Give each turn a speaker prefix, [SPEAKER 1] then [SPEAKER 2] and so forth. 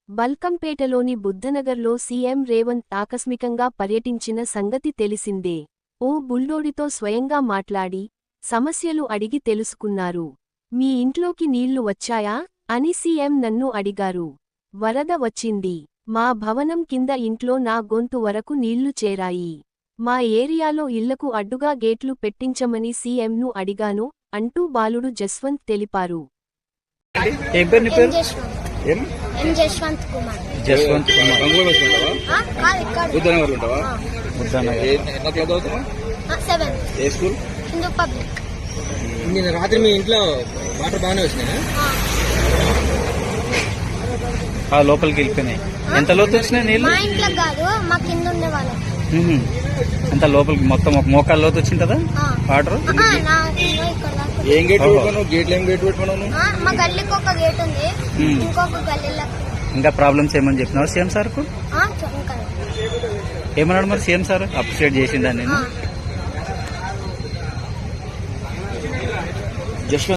[SPEAKER 1] బల్కంపేటలోని బుద్ధనగర్లో CM Revanth ఆకస్మికంగా పర్యటించిన సంగతి తెలిసిందే. ఓ బుల్డోడితో స్వయంగా మాట్లాడి సమస్యలు అడిగి తెలుసుకున్నారు. మీ ఇంట్లోకి నీళ్లు వచ్చాయా అని సీఎం నన్ను అడిగారు. వరద వచ్చింది. మా భవనం కింద ఇంట్లో నా గొంతు వరకు నీళ్లు చేరాయి. మా ఏరియాలో ఇళ్లకు అడ్డుగా గేట్లు పెట్టించమని సీఎంను అడిగాను అంటూ బాలుడు జస్వంత్ తెలిపారు.
[SPEAKER 2] జస్వంత్ కుమార్.
[SPEAKER 3] నిన్న రాత్రి మీ ఇంట్లో వాటర్ బాగానే వచ్చినాయా?
[SPEAKER 4] లోపలికి వెళ్ళిపోయినాయి. ఎంత లోతు వచ్చినాయి నీళ్ళు?
[SPEAKER 2] మా ఇంట్లో కాదు, మా కింద ఉండే వాళ్ళం.
[SPEAKER 4] అంత లోపలికి మొత్తం ఒక మోకాళ్ళ లోతు వచ్చింది కదా వాటర్.
[SPEAKER 3] ఏం గేట్ పెట్టుకున్నావు? గేట్లు ఏం గేట్ పెట్టుకున్నావు?
[SPEAKER 2] మా గల్లీకి ఒక గేట్ ఉంది, ఇంకొక గల్లీలో.
[SPEAKER 4] ఇంకా ప్రాబ్లమ్స్ ఏమని చెప్పినావు సీఎం సార్ కు? ఏమన్నాడు మరి సీఎం సార్? అప్రిషియేట్ చేసిందని.